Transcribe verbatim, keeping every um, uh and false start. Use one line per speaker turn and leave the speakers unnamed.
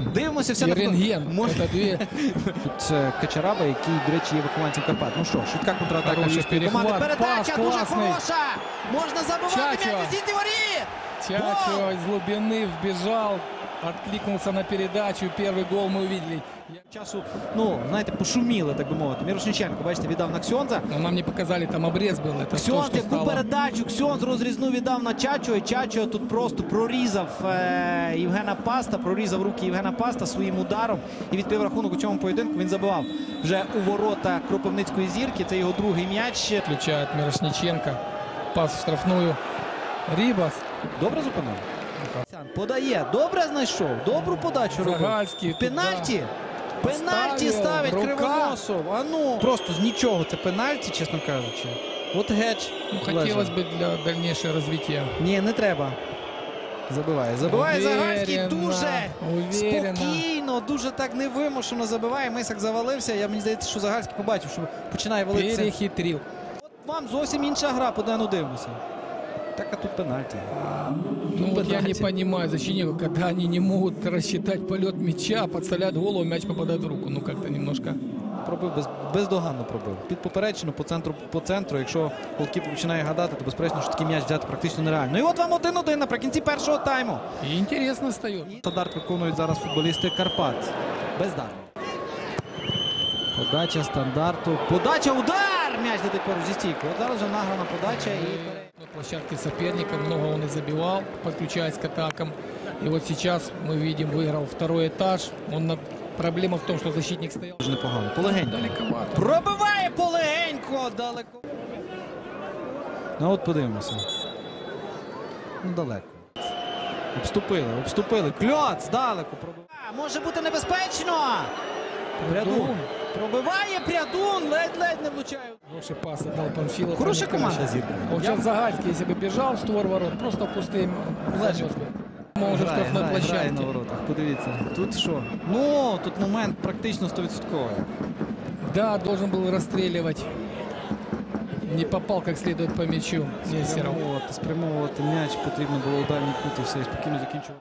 Дивимося все
І
на
рентген.
Може...
Це дві...
Тут Качараба, який, до речі, є вихованцем Карпат. Ну що, швидка контратака
Хороший
львівської команди.
перехват,
Передача
пас
дуже
класний.
хороша! Можна забивати
Чачо.
м'яч у сітні воріт!
Чачо из глубины вбежал, откликнулся на передачу. Первый гол мы увидели.
Часу, ну, знаєте, пошуміли, так би мовити. Мірошниченко, бачите, віддав на Ксьонза.
Но нам не показали, там обрез был. Это
Ксьонз,
то, что
яку
стало...
передачу, Ксьонз розрізну віддав на Чачо, і Чачо тут просто прорізав е Євгена Паста, прорізав руки Євгена Паста своїм ударом і відкрив рахунок у цьому поєдинку. Він забивав вже у ворота Кропивницької зірки, це його другий м'яч.
Включает Мирошниченко, пас в штрафную. Рибас.
Добре зупинив? Подає, добре знайшов, добру подачу робив.
Загальський.
Пенальті. Пенальті ставить
рука.
Кривоносов. А ну. Просто з нічого це пенальті, чесно кажучи. От гетч.
Ну, хотелось бы для дальнейшего развития.
Ні, не треба. Забиває. Забиває Загальський дуже
уверенно.
спокійно, дуже так невимушено забиває. Мисак завалився. Я, мені здається, що Загальський побачив, що починає валитися.
Перехитрил.
От вам зовсім інша гра, по дену дивимося. Так, а тут пенальті.
Ну
Тут
вот я не
пенальті.
понимаю защитников, когда они не могут рассчитать полет мяча, подставляют голову, мяч попадает в руку. Ну как-то немножко...
Пробив, без, бездоганно пробив. Під поперечину, по центру, по центру. Якщо голкіпер починає гадати, то безперечно, що такий м'яч взяти практично нереально. І от вам один-один наприкінці першого тайму.
И интересно стает.
Стандарт виконують зараз футболісти Карпат. Бездарно. Подача стандарту. Подача, удар! М'яч летить поруч зі стійкою. От зараз вже награна подача і...
На площадке соперника много он и забивал, подключаясь к атакам. И вот сейчас мы видим, выиграл второй этаж. Он на... Проблема в том, что защитник стоял.
Дуже непогано. Полегенько.
Далековато.
Пробиває полегенько, далеко. Ну от подивимося. Ну далеко. Обступили, обступили. Кльоц здалеку пробиває. Може бути небезпечно. Прядун. Пробиває Прядун, ледь-ледь не влучає.
Хороший пас отдал Панфилов.
Хорошая команда Зирка.
Вот сейчас Загальский, если бы бежал в створ ворот, просто пустым занес бы. Мы уже в
Грає,
штрафной
грає, грає на
площадке.
воротах. Подивіться. Тут що? Ну, тут момент практично сто відсотків.
Да, должен был расстреливать. Не попал как следует по мячу. Нестеров.
Спрямовувати, спрямовувати м'яч потрібно було у дальній кут і все, і спокійно закінчувати.